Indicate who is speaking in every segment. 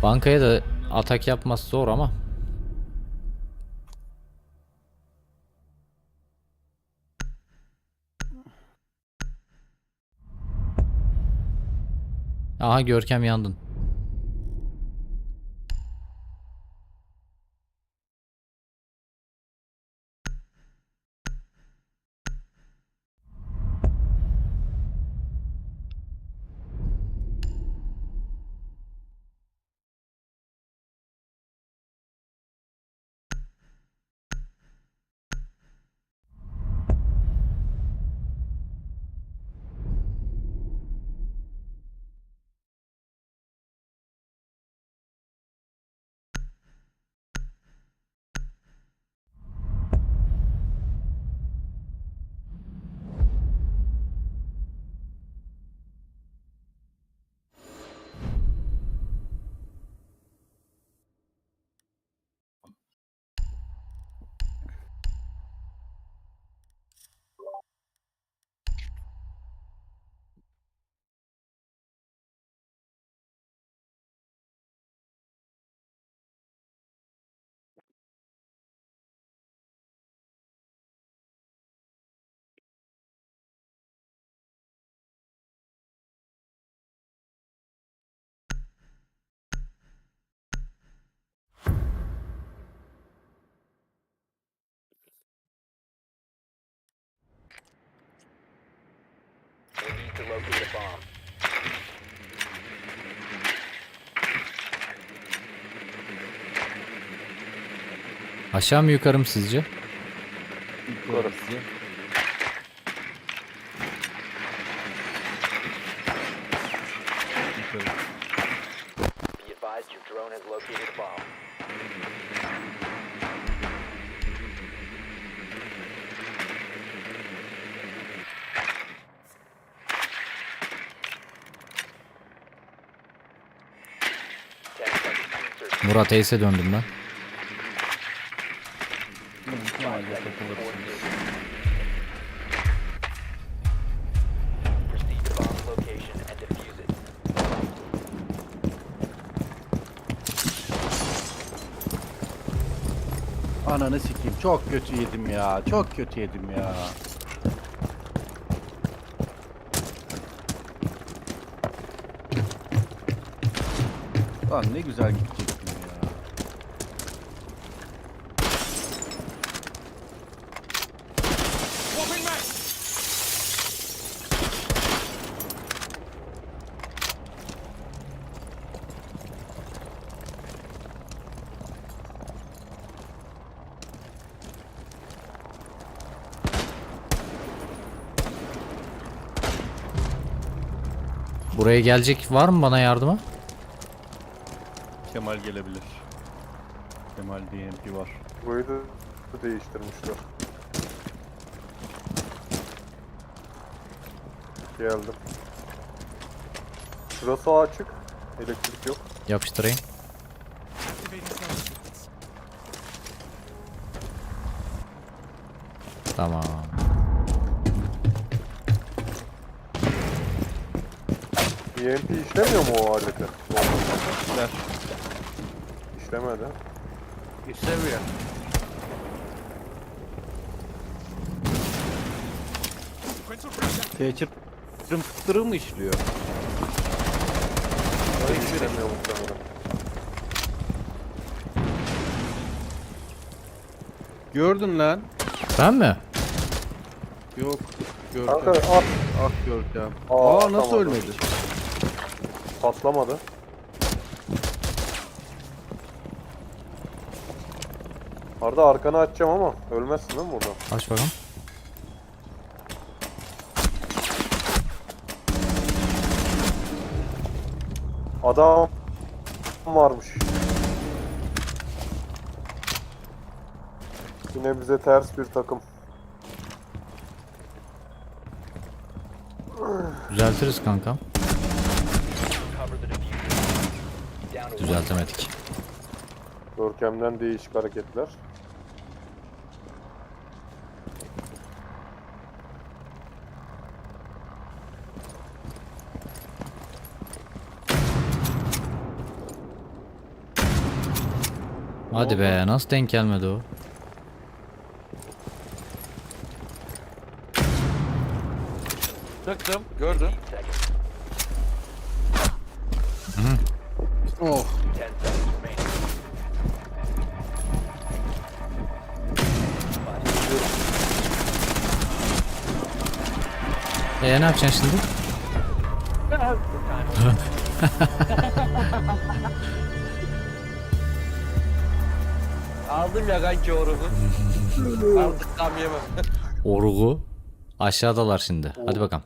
Speaker 1: Bankaya da atak yapması zor ama. Aha Görkem yandın.
Speaker 2: We need to locate a bomb.
Speaker 1: Aşağı mı yukarı mı sizce?
Speaker 3: Yukarı.
Speaker 2: Be advised your drone has located a bomb. Ten seconds to insertion.
Speaker 1: Murat Ace'e döndüm ben.
Speaker 2: Proceed to bomb location and defuse it.
Speaker 3: Ananı sikeyim. Çok kötü yedim ya. Çok kötü yedim ya. Lan ne güzel gidecektim ya.
Speaker 1: Buraya gelecek var mı bana yardıma?
Speaker 3: Kemal gelebilir. Kemal DMP var.
Speaker 4: Burayı da değiştirmişler. Geldim. Şurası açık. Elektrik yok.
Speaker 1: Yapıştırayım. Tamam.
Speaker 4: EMP işlemiyor mu o aleti?
Speaker 3: Ver.
Speaker 4: İşlemedi.
Speaker 3: İşlemiyor. Teçhir fıtırı mı işliyor?
Speaker 4: İşlemiyor muhtemelen.
Speaker 3: Gördün lan.
Speaker 1: Ben mi?
Speaker 3: Yok.
Speaker 4: Kanka
Speaker 3: Görkem.
Speaker 4: at.
Speaker 3: Ah Görkem.
Speaker 4: Aa,
Speaker 3: Aa nasıl
Speaker 4: tamam.
Speaker 3: ölmedi?
Speaker 4: Patlamadı. Arda arkanı açacağım ama ölmezsin değil mi burada?
Speaker 1: Aç bakalım.
Speaker 4: Adam varmış. Yine bize ters bir takım.
Speaker 1: Düzeltiriz kankam.
Speaker 2: Cover the diffuser. Down to one.
Speaker 1: Düzeltemedik.
Speaker 4: Görkem'den değişik hareketler.
Speaker 1: Hadi
Speaker 3: oldu?
Speaker 1: be, nasıl denk gelmedi o?
Speaker 5: Tıktım. Gördüm.
Speaker 2: Seconds.
Speaker 3: Oh.
Speaker 2: 10 seconds remaining.
Speaker 1: Ne yapacaksın şimdi?
Speaker 5: Aldım ya kanki oruğu. Artık tam yemem.
Speaker 1: Orgu. Aşağıdalar şimdi. Hadi bakalım.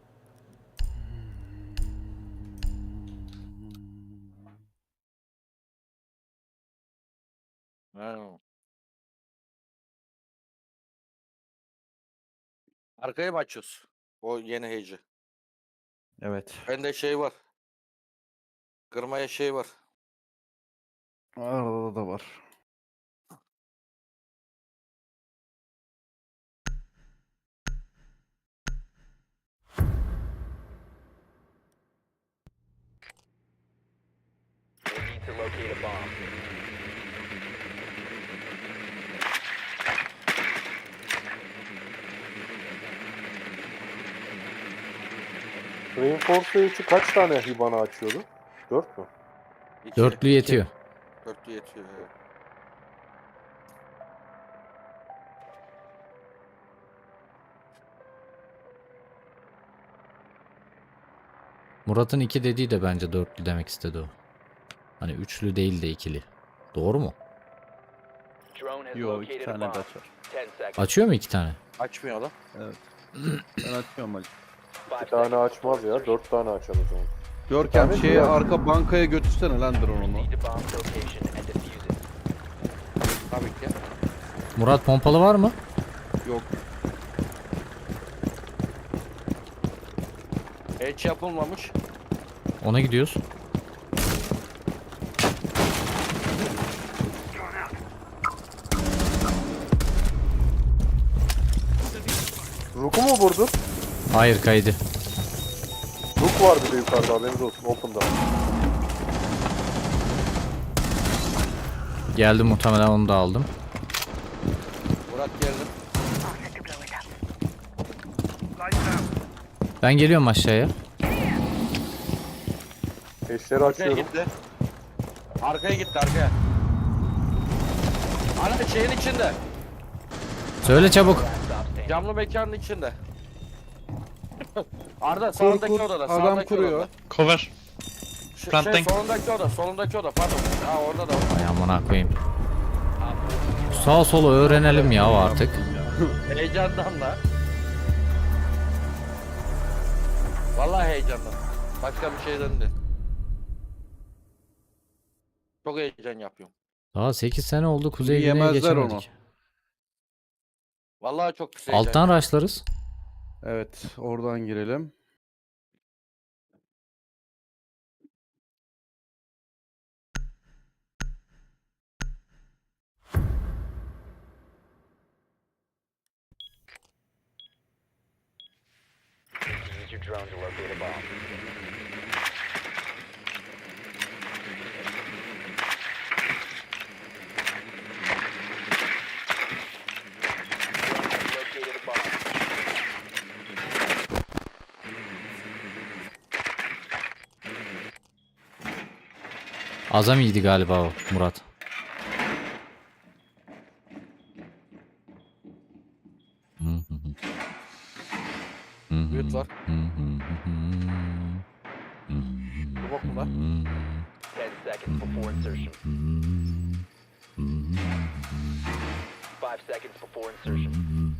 Speaker 5: Ha. Arkaya mı açıyoruz? O yeni heyeci.
Speaker 3: Evet.
Speaker 5: Bende şey var. Kırmaya şey var.
Speaker 3: Arada da var.
Speaker 2: We need to locate a bomb.
Speaker 4: Reinforce'u kaç tane Hibana açıyordu? 4 mü?
Speaker 5: İki.
Speaker 1: Dörtlü yetiyor.
Speaker 5: Dörtlü yetiyor. Evet.
Speaker 1: Murat'ın 2 dediği de bence dörtlü demek istedi o. Hani üçlü değil de ikili. Doğru mu?
Speaker 2: Drone has
Speaker 3: Yo, iki
Speaker 2: located a
Speaker 3: tane de
Speaker 2: bomb.
Speaker 3: açar.
Speaker 2: 10 seconds.
Speaker 1: Açıyor mu 2 tane?
Speaker 5: Açmıyor lan.
Speaker 3: Evet. Ben açıyorum hadi.
Speaker 2: 5
Speaker 4: Bir tane
Speaker 2: seconds
Speaker 4: açmaz
Speaker 2: before
Speaker 4: ya.
Speaker 2: insertion.
Speaker 4: 4 tane açar o zaman.
Speaker 3: Görkem
Speaker 4: tane
Speaker 3: şeye
Speaker 4: duvar.
Speaker 3: arka bankaya götürsene lan drone'unu.
Speaker 2: Proceed to bomb location and defuse it.
Speaker 5: Tabii ki.
Speaker 1: Murat pompalı var mı?
Speaker 3: Yok.
Speaker 5: Hiç yapılmamış.
Speaker 1: Ona gidiyoruz.
Speaker 4: Rook'u mu vurdun?
Speaker 1: Hayır, kaydı.
Speaker 4: Rook var bir de yukarıda, haberiniz olsun. Open'da.
Speaker 1: Geldim, muhtemelen onu da aldım.
Speaker 5: Murat geldi.
Speaker 1: Ben geliyorum aşağıya.
Speaker 4: Eşleri
Speaker 5: Arkaya
Speaker 4: açıyorum.
Speaker 5: gitti. Arkaya gitti arkaya. Ana şeyin içinde.
Speaker 1: Söyle çabuk.
Speaker 2: Stop standing.
Speaker 5: Camlı mekanın içinde. Arda
Speaker 3: Kur
Speaker 5: sağındaki
Speaker 3: kur.
Speaker 5: odada.
Speaker 3: Adam
Speaker 5: Sağındaki
Speaker 3: kuruyor.
Speaker 5: odada.
Speaker 6: Cover. Planting.
Speaker 5: Solundaki oda. Solundaki oda. Pardon. Ha orada da var.
Speaker 1: Ay amına koyayım. Sağ solu öğrenelim ya artık.
Speaker 5: Heyecandan da. Vallahi heyecandan. Başka bir şeyden değil. Çok heyecan yapıyorum.
Speaker 1: Daha 8 sene oldu, Kuzey Güney'e
Speaker 3: Yemezler
Speaker 1: geçemedik.
Speaker 3: onu.
Speaker 5: Vallahi çok güzel heyecan.
Speaker 1: Alttan raşlarız.
Speaker 3: Evet, oradan girelim.
Speaker 2: Use your drone to locate a bomb. Drone has located a bomb.
Speaker 1: Azam iyiydi galiba o Murat.
Speaker 5: Büyüt var. Bu bok mu lan?
Speaker 2: 10 seconds before insertion. 5 seconds before insertion.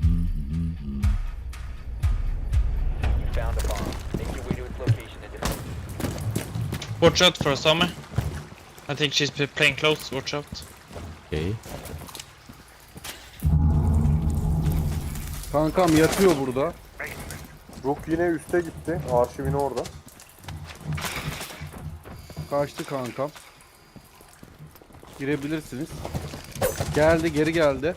Speaker 2: You found a bomb. Make your way to its location and defuse it.
Speaker 6: Watch out for Summer. I think she's playing close. Watch out.
Speaker 1: Okay.
Speaker 3: Kankam yatıyor burada.
Speaker 4: Rook yine üste gitti. Arşivini orada.
Speaker 3: Kaçtı kankam. Girebilirsiniz. Geldi, geri geldi.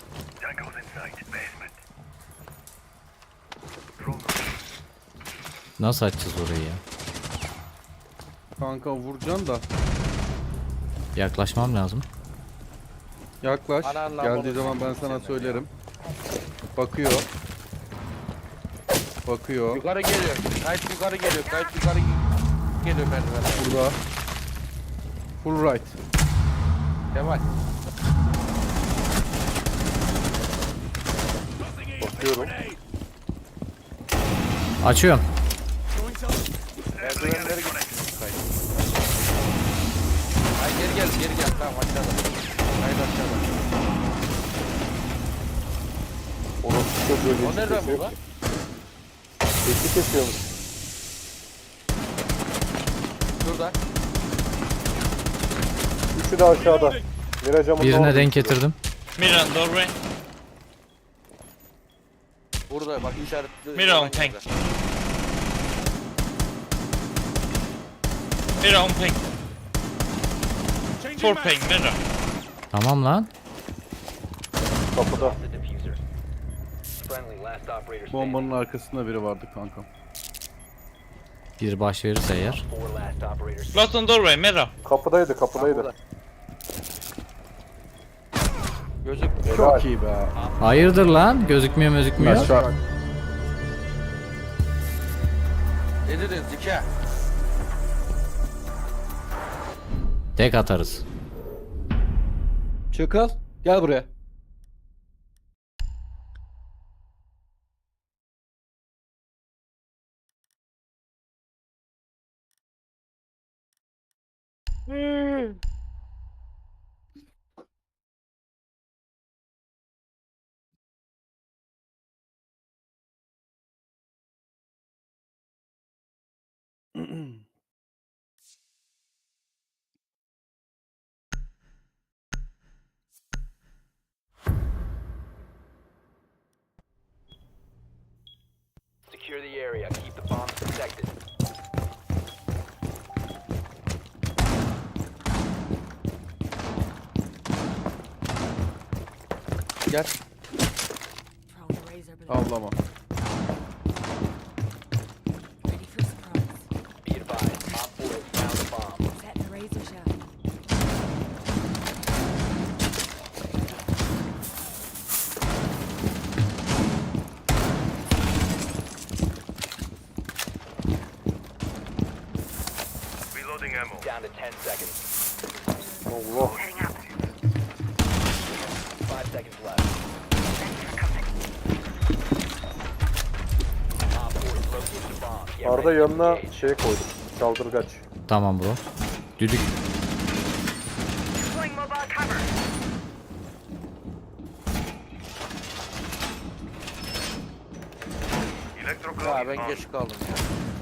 Speaker 1: Nasıl açacağız orayı ya?
Speaker 3: Kanka vuracaksın da.
Speaker 1: Yaklaşmam lazım.
Speaker 3: Yaklaş.
Speaker 5: Ananla
Speaker 3: Geldiği
Speaker 5: bunu
Speaker 3: zaman ben sana söylerim. Bakıyor. Bakıyor.
Speaker 5: Yukarı geliyor. Kayıt yukarı geliyor. Kayıt yukarı geliyor merdivenler.
Speaker 3: Burada. Full right.
Speaker 5: Kemal.
Speaker 4: Bakıyorum.
Speaker 1: Açıyorum.
Speaker 5: Merdivenleri git. Kayıt. Ay geri gel. Tamam aşağıda. Kayıt aşağıda.
Speaker 4: Orası çocuğu
Speaker 5: O nereden bu lan?
Speaker 4: Geçi kesiyormuş.
Speaker 5: Şurada.
Speaker 4: Üçü de aşağıda. Miracamın
Speaker 1: Birine denk getirdim.
Speaker 6: Mirror on doorway.
Speaker 5: Burada bak işaretli.
Speaker 6: Mirror on ping. Mirror on ping. 4 ping, mirror.
Speaker 1: Tamam lan.
Speaker 4: Kapıda.
Speaker 2: The diffuser. Friendly last operator standing.
Speaker 3: Bombanın arkasında biri vardı kankam.
Speaker 1: Bir baş verirse eğer.
Speaker 2: 4 last operators.
Speaker 6: Close on doorway, mirror.
Speaker 4: Kapıdaydı.
Speaker 5: Burada. Gözük.
Speaker 3: Çok iyi be.
Speaker 1: Hayırdır lan? Gözükmüyor gözükmüyor.
Speaker 3: Aşağı.
Speaker 5: Ne dedin zika?
Speaker 1: Tek atarız.
Speaker 3: Çakal. Gel buraya.
Speaker 2: Secure the area. Keep the bombs protected.
Speaker 3: Gel.
Speaker 7: Prone to razor blade.
Speaker 3: Avlama.
Speaker 7: Ready for surprise.
Speaker 2: Be advised. Op 4 has found a bomb.
Speaker 7: Set the razor shot.
Speaker 2: Down to 10 seconds.
Speaker 4: Allah.
Speaker 2: 5 seconds left. Op 4 has located a bomb. Get
Speaker 4: Arda
Speaker 2: ready to
Speaker 4: yanına
Speaker 2: engage.
Speaker 4: şey koydum. Çaldırgaç.
Speaker 1: Tamam bro. Düdük.
Speaker 5: Ya ben geç kaldım ya.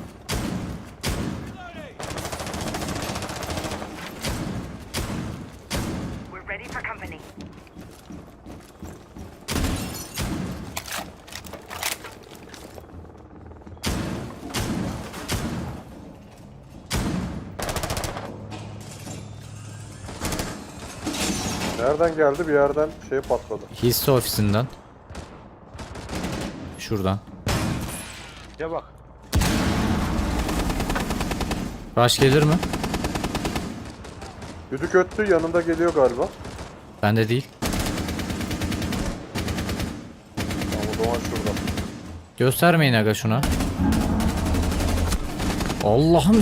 Speaker 8: We're ready for company.
Speaker 4: Nereden geldi? Bir yerden şey patladı.
Speaker 1: Hisse ofisinden. Şuradan.
Speaker 5: Ya bak.
Speaker 1: Rush gelir mi?
Speaker 4: Düdük öttü. Yanında geliyor galiba.
Speaker 1: Bende değil.
Speaker 4: Ama o zaman şurada.
Speaker 1: Göstermeyin aga şuna. Allah'ım.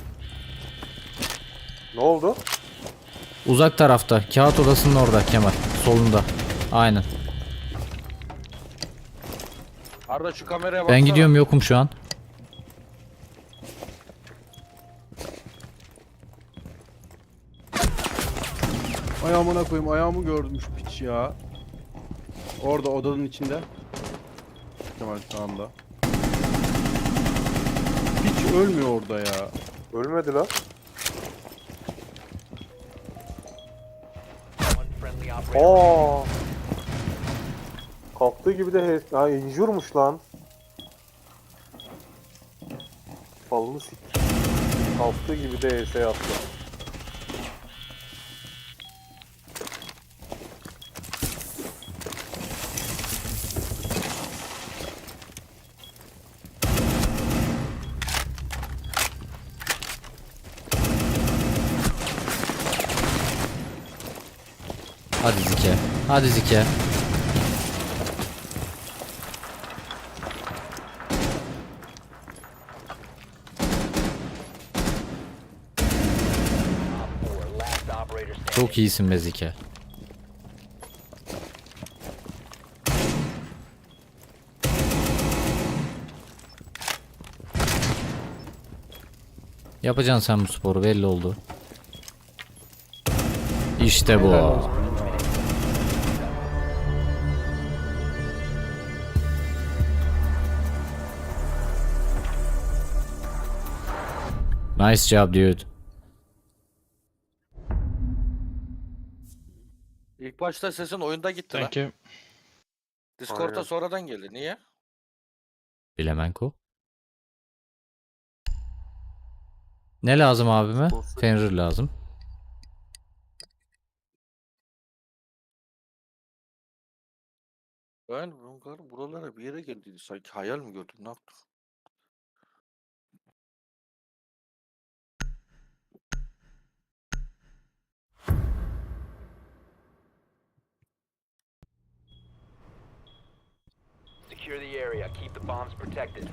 Speaker 4: Ne oldu?
Speaker 1: Uzak tarafta. Kağıt odasının orada Kemal. Solunda. Aynen.
Speaker 5: Arda şu kameraya baksana.
Speaker 1: Ben gidiyorum, yokum şu an.
Speaker 3: Ayağımına koyayım. Ayağımı görmüş piç ya. Orada odanın içinde. Kemal şu anda. Piç ölmüyor orada ya.
Speaker 4: Ölmedi lan.
Speaker 2: One friendly operator.
Speaker 4: Aa. Kalktığı gibi de ha, injurmuş lan. Falını sik. Kalktığı gibi de HS attı.
Speaker 1: Hadi Zike. Hadi Zike.
Speaker 2: Op 4, last operator standing.
Speaker 1: Çok iyisin be Zike. Yapacaksın sen bu sporu, belli oldu. İşte bu. Nice job dude.
Speaker 5: İlk başta sesin oyunda gitti lan.
Speaker 6: Thank you.
Speaker 5: Discord'a
Speaker 4: Aynen.
Speaker 5: sonradan geldi. Niye?
Speaker 1: Bilemenko. Ne lazım abime? Fenrir lazım.
Speaker 5: Ben buralara bir yere geldi. Sanki hayal mi gördüm? Ne yaptım?
Speaker 2: Secure the area. Keep the bombs protected.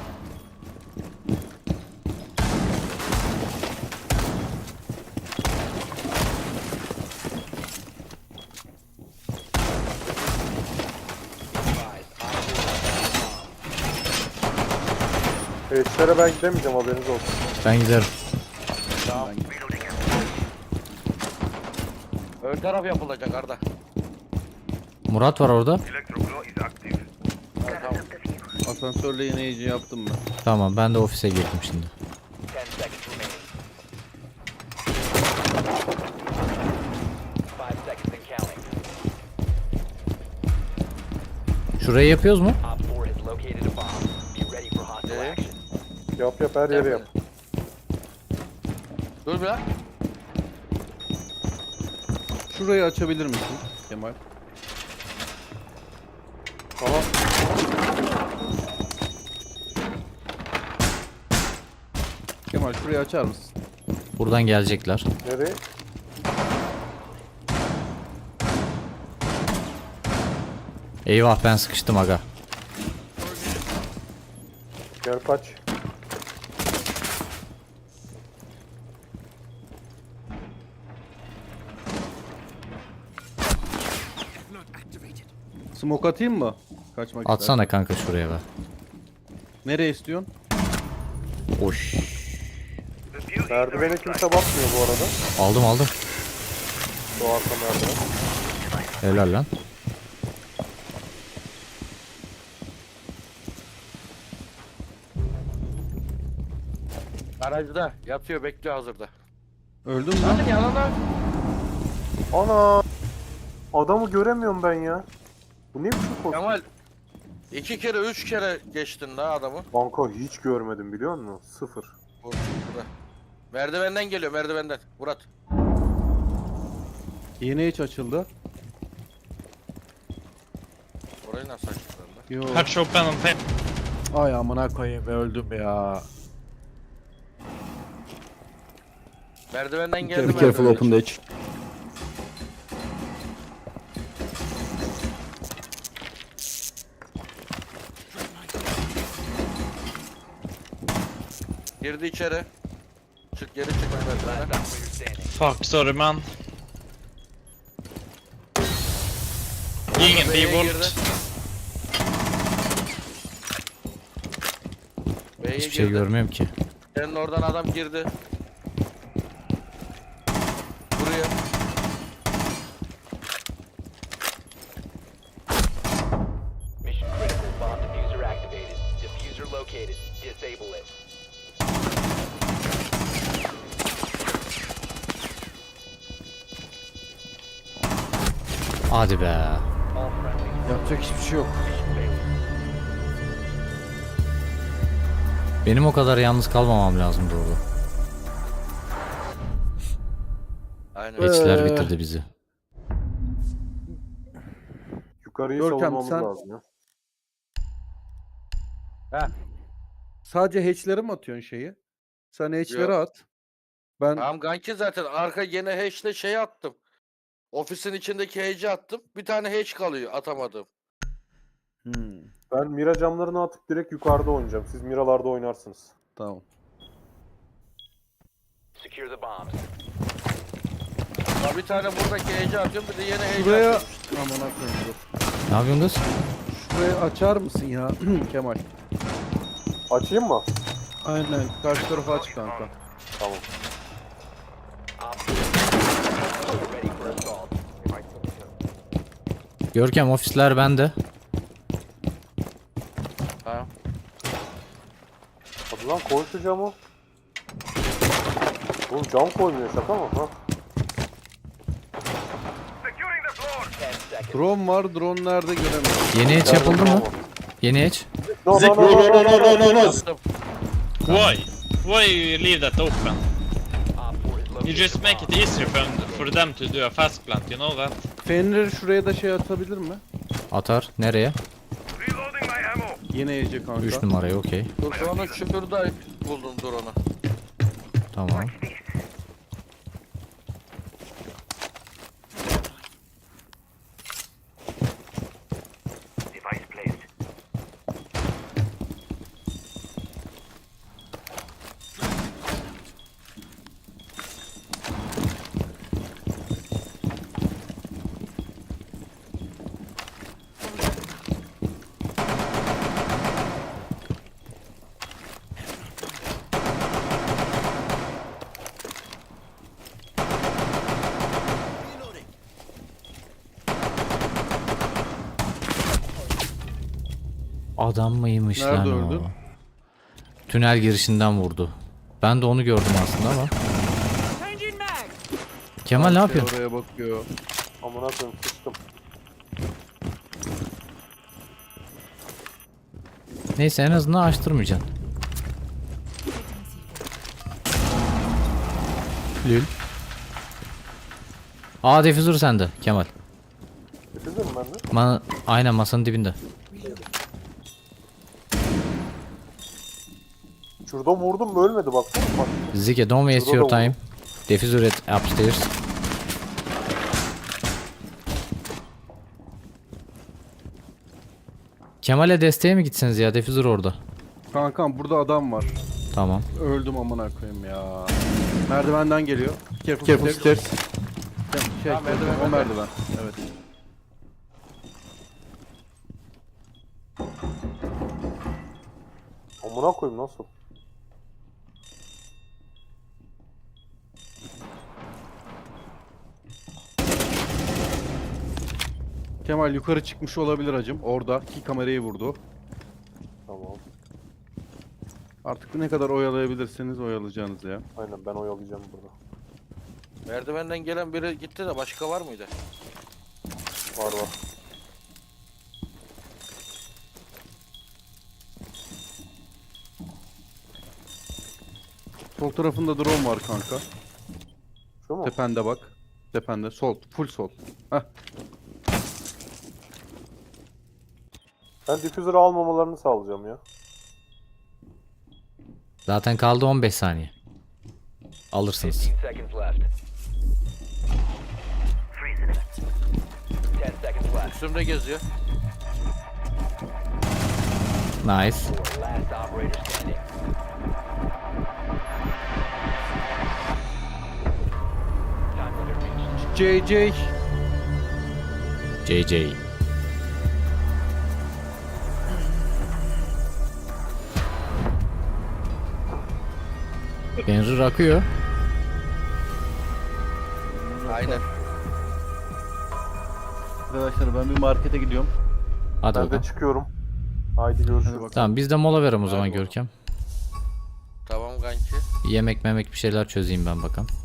Speaker 4: Hatch'lere ben gidemeyeceğim, haberiniz olsun.
Speaker 1: Ben giderim.
Speaker 5: Tamam. Ön taraf yapılacak Arda.
Speaker 1: Murat var orada.
Speaker 5: Ha, tamam.
Speaker 3: Asansörle yine yaptım ben.
Speaker 1: Tamam, ben de ofise girdim şimdi.
Speaker 2: 10 seconds remaining. 5 seconds and counting.
Speaker 1: Şurayı yapıyoruz mu?
Speaker 2: Op 4 has located a bomb. Be ready for hostile
Speaker 5: Yeah.
Speaker 2: action.
Speaker 4: Yap her yeri yap.
Speaker 5: Dur bir lan.
Speaker 3: Şurayı açabilir misin Kemal?
Speaker 4: Tamam.
Speaker 3: Kemal şurayı açar mısın?
Speaker 1: Buradan gelecekler.
Speaker 4: Nereye?
Speaker 1: Eyvah, ben sıkıştım aga.
Speaker 4: Gel kaç.
Speaker 3: Smoke atayım mı? Kaçmak
Speaker 1: Atsana kanka şuraya be.
Speaker 3: Nereye istiyorsun?
Speaker 1: Oş.
Speaker 4: Merdivene kimse bakmıyor bu arada.
Speaker 1: Aldım aldım.
Speaker 4: Şu arka merdiven.
Speaker 1: Helal lan.
Speaker 5: Garajda yatıyor, bekliyor hazırda.
Speaker 3: Öldün mü?
Speaker 5: Hadi yalan lan.
Speaker 4: Ana! Adamı göremiyorum ben ya. Bu ne biçim kostüm?
Speaker 5: Kemal 2 kere 3 kere geçtin la adamı.
Speaker 4: Banka hiç görmedim biliyor musun? Sıfır.
Speaker 5: Burada. Merdivenden geliyor, merdivenden. Murat.
Speaker 3: Yine hiç açıldı.
Speaker 5: Orayı nasıl açtılar lan?
Speaker 3: Yo.
Speaker 6: Hatch open on pay.
Speaker 3: Ay amına koyayım, öldüm ya.
Speaker 5: Merdivenden geldi.
Speaker 3: Be careful,
Speaker 5: merdivenden
Speaker 3: open the hatch.
Speaker 5: Girdi içeri. Çık geri çık merdivene.
Speaker 2: Last operator standing.
Speaker 6: Fuck, sorry man. Ingen
Speaker 5: B'ye
Speaker 6: B-volt.
Speaker 5: girdi. B'ye
Speaker 1: Hiçbir şey
Speaker 5: girdi.
Speaker 1: görmüyorum ki.
Speaker 5: Senin oradan adam girdi. Buraya.
Speaker 2: Mission critical. Bomb diffuser activated. Diffuser located. Disable it.
Speaker 1: Hadi be.
Speaker 2: All friendlies.
Speaker 3: Yapacak hiçbir şey yok.
Speaker 2: Mission failure.
Speaker 1: Benim o kadar yalnız kalmamam lazımdı orada.
Speaker 5: Aynen.
Speaker 1: Geçtiler, bitirdi bizi.
Speaker 4: Yukarıyı
Speaker 3: Görkem,
Speaker 4: savunmamız
Speaker 3: sen-
Speaker 4: lazım ya.
Speaker 3: Sadece hatch'lere mi atıyorsun şeyi? Sen hatch'lere
Speaker 5: Yok.
Speaker 3: at. Ben
Speaker 5: Tamam kanki zaten arka yine hash'le şey attım. Ofisin içindeki hage'i attım. Bir tane hage kalıyor atamadım.
Speaker 4: Ben mira camlarını atıp direkt yukarıda oynayacağım. Siz miralarda oynarsınız.
Speaker 3: Tamam.
Speaker 2: Secure the bombs.
Speaker 5: Ya bir tane buradaki hage'i atıyorum, bir de yeni hage
Speaker 3: Şuraya...
Speaker 5: atıyorum.
Speaker 3: Amına koyayım dur.
Speaker 1: Ne yapıyorsun kız?
Speaker 3: Şurayı açar mısın ya Kemal?
Speaker 4: Açayım mı?
Speaker 3: Aynen. Karşı tarafa aç kanka.
Speaker 4: Tamam.
Speaker 2: Ready for assault.
Speaker 1: Görkem ofisler bende.
Speaker 5: Ha.
Speaker 4: Hadi lan koy şu camı. Oğlum cam koymuyor, şaka mı? Ha?
Speaker 2: 10 seconds.
Speaker 3: Drone var. Drone nerede göremiyorum.
Speaker 1: Yeni hatch yapıldı mı? Yeni hatch.
Speaker 4: No.
Speaker 5: Attım.
Speaker 6: Why? Why you leave that open?
Speaker 2: Op 4 is
Speaker 6: You
Speaker 2: located
Speaker 6: just
Speaker 2: the
Speaker 6: make
Speaker 2: bomb.
Speaker 6: it easier for them to do a fast plant, you know that?
Speaker 3: Fenrir şuraya da şey atabilir mi?
Speaker 1: Atar. Nereye?
Speaker 3: Yine yiyecek kanka.
Speaker 1: 3 numaraya okey.
Speaker 5: Dur drone'u şurada buldum drone'u.
Speaker 1: Tamam. Adam mıymış
Speaker 3: Nerede
Speaker 1: lan
Speaker 3: öldü?
Speaker 1: o? Tünel girişinden vurdu. Ben de onu gördüm aslında ama.
Speaker 7: Changing mag!
Speaker 1: Kemal ne yapıyorsun?
Speaker 3: Oraya bakıyor.
Speaker 4: Amına koyayım, sıçtım.
Speaker 1: Neyse en azından açtırmayacaksın. Lül. Aa defüzör sende Kemal.
Speaker 4: Bitirdin mi ben de?
Speaker 1: Aynen masanın dibinde.
Speaker 4: Şurada vurdum mu ölmedi bak. Bak.
Speaker 1: Zike don't waste
Speaker 4: Şurada
Speaker 1: your
Speaker 4: da
Speaker 1: time. Defüzör et upstairs. Kemal'e desteğe mi gitseniz ya? Defüzör orada.
Speaker 3: Kankam burada adam var.
Speaker 1: Tamam.
Speaker 3: Öldüm amına koyayım ya. Merdivenden geliyor. Careful,
Speaker 4: Careful
Speaker 3: stairs.
Speaker 4: stairs.
Speaker 3: Şey, o merdiven. Evet.
Speaker 4: Amına koyayım nasıl?
Speaker 3: Kemal yukarı çıkmış olabilir hacım. Orada ki kamerayı vurdu.
Speaker 4: Tamam.
Speaker 3: Artık ne kadar oyalayabilirseniz oyalayacaksınız ya.
Speaker 4: Aynen ben oyalayacağım burada.
Speaker 5: Merdivenden gelen biri gitti de başka var mıydı?
Speaker 4: Var.
Speaker 3: Sol tarafında drone var kanka.
Speaker 4: Şu mu?
Speaker 3: Tepende bak. Tepende. Sol. Full sol. Heh.
Speaker 4: Ben difüzörü almamalarını sağlayacağım ya.
Speaker 1: Zaten kaldı 15 saniye. Alırsınız.
Speaker 2: 15 seconds left. 10 seconds left.
Speaker 5: Üstümde geziyor.
Speaker 1: Nice.
Speaker 2: 4 last operator standing. Time limit reached.
Speaker 3: JJ.
Speaker 1: JJ. Benzin akıyor.
Speaker 5: Aynen.
Speaker 3: Arkadaşlar ben bir markete gidiyorum.
Speaker 1: Hadi
Speaker 4: Ben
Speaker 1: bakalım.
Speaker 4: de çıkıyorum. Haydi görüşürüz.
Speaker 3: Hadi bakalım.
Speaker 1: Tamam biz de mola verelim o zaman
Speaker 5: Hadi bakalım.
Speaker 1: Görkem.
Speaker 5: Tamam kanki.
Speaker 1: Yemek memek bir şeyler çözeyim ben bakalım.